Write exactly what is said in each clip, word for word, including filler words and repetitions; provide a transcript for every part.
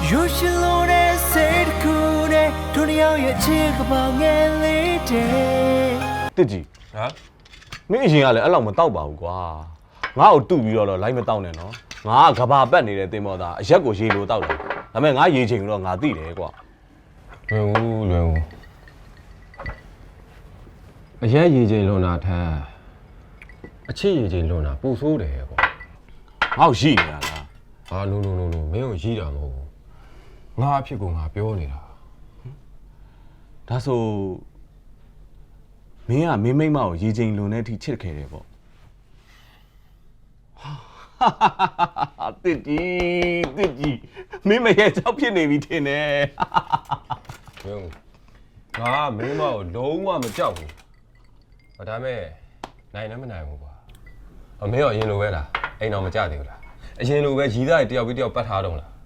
You should know that said cool day တို့ရောက်ရဲ့ချစ်ကပောင်ငယ်လေးတဲ့တစ်ကြီးဟာမင်းအရင်ကလည်းအဲ့လောက်မတောက်ပါဘူးကွာငါ့ကိုတူပြီးတော့လိုက်မတောက်နဲ့နော်ငါကကဘာပတ်နေတဲ့တင်မောသားအရက်ကိုရေလိုတောက်တယ်ဒါပေမဲ့ငါရေချိန်တော့ငါသိတယ်ကွာလွယ်ဦးလွယ်ဦးအရက်ရေချိန်လွန်တာထက်အချစ်ရေချိန်လွန်တာပူဆိုးတယ်ကွာငါ့ကိုရှိနေရလားဟာနိုးနိုးနိုးနိုးမင်းကိုရှိတာမဟုတ်ဘူးငါအဖြစ်ကိုငါပြောနေတာဒါဆိုမင်းကမင်းမိမကိုရေချိန်လွန်တဲ့အထိချစ်ခဲ့တယ်ပေါ့တစ်ကြီးတစ်ကြီးမင်းမရဲ့ကြောက်ဖြစ်နေပြီထင်တယ်ဟင်းငါမင်းမကိုလုံးဝမကြောက်ဘူးဒါပေမဲ့နိုင်လည်းမနိုင်ဘူးကွာအမေရောအရင်လိုပဲလားအိမ်တော်မကြသေးဘူးလားအရင်လိုပဲရီးသားတယောက်ပြီးတယောက်ပတ်ထားတော့လား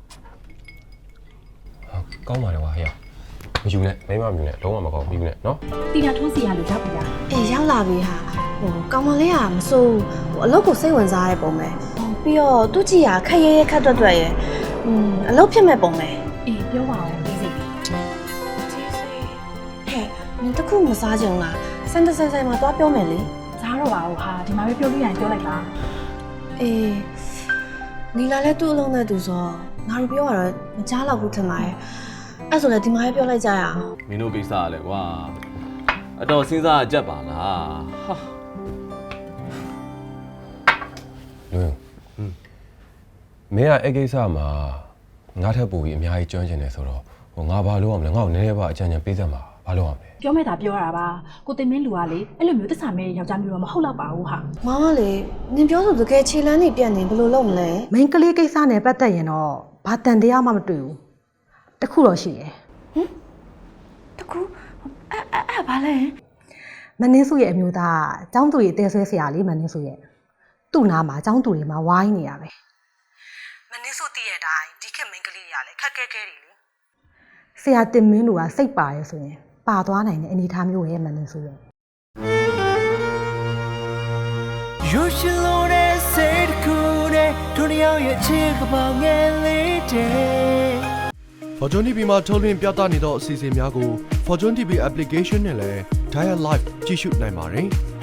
ကောင်းပါလေကွာဟဲ့မယူနဲ့မိမမယူနဲ့လုံးဝမကောင်းဘူးနဲ့နော်တီတာထိုးစီရလို့ရောက်ပြီလားအေးရောက်လာပြီဟာဟိုကောင်မလေးကမစိုးဟိုအလုပ်ကိုစိတ်ဝင်စားတဲ့ပုံပဲပြီးတော့သူကြည့်ရခက်ရဲရဲခက်တွတ်တွတ်ရဲอืมအလုပ်ဖြစ်မဲ့ပုံပဲအေးပြောပါဦးဒီစိတ်ကြီးဟဲ့နင်တခုမစားကြုံလားစန်တဆိုင်ဆိုင်မှာသွားပြောမယ်လေစားတော့ပါဦးဟာဒီမှာပဲပြောလို့ရရင်ပြောလိုက်ပါအေးနီလာလည်းသူ့အလုံးနဲ့သူဆိုငါတို့ပြောရတော့မကြားတော့ဘူးထင်ပါတယ်အဲ့ဆိုလည်းဒီမှာပဲပြောလိုက်ကြရအောင်မင်းတို့ကိစ္စကလည်းကွာအတော်စဉ်းစားကြက်ပါလားဟာလွင်မင်းကအဲ့ကိစ္စမှာငါထပ်ပူပြီးအများကြီးကျွမ်းကျင်နေဆိုတော့ဟိုငါဘာလုပ်ရမလဲငါ့ကိုနည်းနည်းပါအကြံဉာဏ်ပေးစမ်းပါဘာလုပ်ရမလဲပြောမဲ့တာပြောရတာပါကိုတင်မင်းလူကလေအဲ့လိုမျိုးတစ္ဆာမဲယောက်ျားမျိုးတော့မဟုတ်တော့ပါဘူးဟာမောင်ကလေနင်ပြောဆိုတကယ်ခြေလန်းနေပြတ်နေဘယ်လိုလုပ်မလဲမင်းကလေးကိစ္စနဲ့ပတ်သက်ရင်တော့ဘာတန်တရားမှမတွေ့ဘူးတခုတော့ရှိတယ်ဟင်တခုအဲ့အဲ့ဘာလဲမနှင်းစုရဲ့အမျိုးသားចောင်းသူရဲ့တဲဆွဲဆရာလေးမနှင်းစုရဲ့သူ့နာမှာចောင်းသူတွေမှာဝိုင်းနေရပဲမနှင်းစုတည့်တဲ့အတိုင်းဒီခေတ်မင်းကလေးတွေကလည်းခက်ခဲခဲတွေလေဆရာတင်မင်းတို့ကစိတ်ပါရဲဆိုရင်ပါသွားနိုင်တဲ့အနေအထားမျိုးရဲ့မနှင်းစုရဲ့ You should know that said cool day တို့ရောက်ရဲ့ချစ်ကပောင်ငယ်လေးတဲ့ Fortune တီ ဗီ မှာထုတ်လွှင့်ပြသနေသောအစီအစဉ်များကို Fortune တီ ဗီ application နဲ့လည်း Dial Live ကြည့်ရှုနိုင်ပါတယ်။